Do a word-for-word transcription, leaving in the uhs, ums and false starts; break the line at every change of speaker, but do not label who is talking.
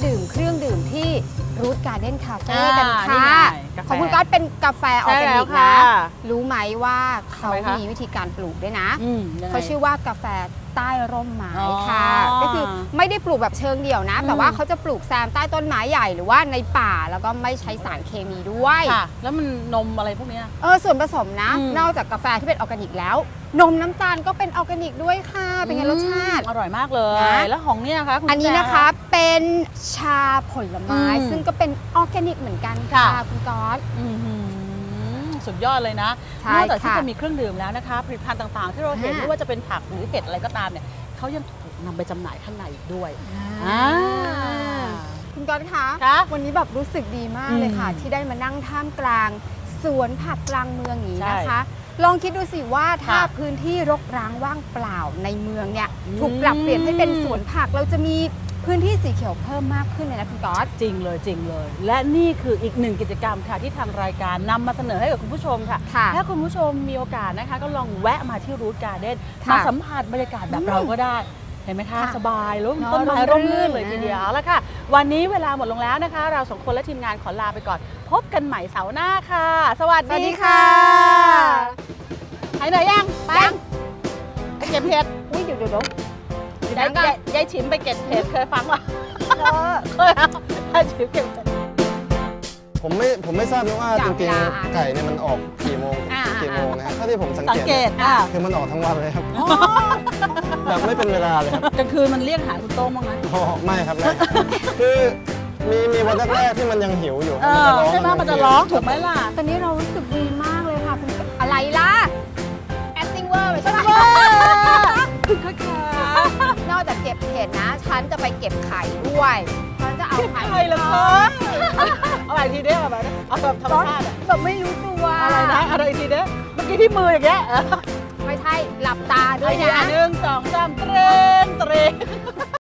ดื่มเครื่องดื่มที่รูทการ์เด้นคาเฟ่กันค่ะของคุณก๊อตเป็นกาแฟออร์แกนิกนะรู้ไหมว่าเขามีวิธีการปลูกด้วยนะเขาชื่อว่ากาแฟใต้ร่มไม้ค่ะก็คือไม่ได้ปลูกแบบเชิงเดี่ยวนะแต่ว่าเขาจะปลูกแซมใต้ต้นไม้ใหญ่หรือว่าในป่าแล้วก็ไม่ใช้สารเคมีด้วย
แล้วมันนมอะไรพวกนี้
เออส่วนผสมนะนอกจากกาแฟที่เป็นออร์แกนิกแล้วนมน้ำตาลก็เป็นออร์แกนิกด้วยค่ะเป็นไงรสชาติ
อร่อยมากเลยแล้วของเนี่ยคะ
อันนี้นะคะเป็นชาผลไม้ซึ่งก็เป็นออร์แกนิกเหมือนกันค่ะคุณก๊อต
สุดยอดเลยนะนอกจากที่จะมีเครื่องดื่มแล้วนะคะผลิตภัณฑ์ต่างๆที่เราเห็นไม่ว่าจะเป็นผักหรือเห็ดอะไรก็ตามเนี่ยเขายังถูกนำไปจำหน่ายข้างในอีกด้วย
คุณก๊อตคะวันนี้แบบรู้สึกดีมากเลยค่ะที่ได้มานั่งท่ามกลางสวนผักกลางเมืองอย่างนี้นะคะลองคิดดูสิว่าถ้าพื้นที่รกร้างว่างเปล่าในเมืองเนี่ยถูกปรับเปลี่ยนให้เป็นสวนผักเราจะมีพื้นที่สีเขียวเพิ่มมากขึ้นเลยนะคุณก๊อต
จริงเลยจริงเลยและนี่คืออีกหนึ่งกิจกรรมค่ะที่ทางรายการนำมาเสนอให้กับคุณผู้ชมค่ะถ้าคุณผู้ชมมีโอกาสนะคะก็ลองแวะมาที่รูทการ์เด้นมาสัมผัสบรรยากาศแบบเราก็ได้เห็นไหมคะสบายร่มต้นไม้ร่มรื่นเลยทีเดียวแล้วค่ะวันนี้เวลาหมดลงแล้วนะคะเราสองคนและทีมงานขอลาไปก่อนพบกันใหม่เสาร์หน้าค่ะสวัสดีค่ะหายเหนื่อยยังไปไปเก็บเห็ด
อุ้ยเดี๋ยวเดี๋ย
วยายฉิมไปเก็บเห็ดเคยฟังป่ะเคยเอายายฉิมเก็บ
ผมไม่ผมไม่ทราบนะว่าจริงๆไก่เนี่ยมันออกกี่โมงกี่โมงนะครับถ้าที่ผมสังเกตคือมันออกทั้งวันเลยครับแบบไม่เป็นเวลาเลยครับ
กลางคืนมันเรียกหาคุณโต้งบ้างไหม
ไม่ครับไม่คือมีมีวันแรกๆที่มันยังหิวอยู่
ใช่ไหมมันจะร้องถูกไหมล่ะ
ตอนนี้เรารู้สึกดีมากเลยค่ะอะไรล่ะ acting เวอร์ใช่ไหม
คุณค่ะ
นอกจากเก็บเห็ดนะฉันจะไปเก็บไข่ด้วยฉันจะเอาไข่
ไข่เลยค่ะเอาอะไรทีเดียวแบบเอาแบบธรรมชาติ
แบบไม่รู้ตัว
อะไรนะอะไรทีเดียวเมื่อกี้ที่มืออย่างเงี้ย
ไม่ใช่หลับตาด้วยนะ
หนึ่งสองสามเตรงเตรง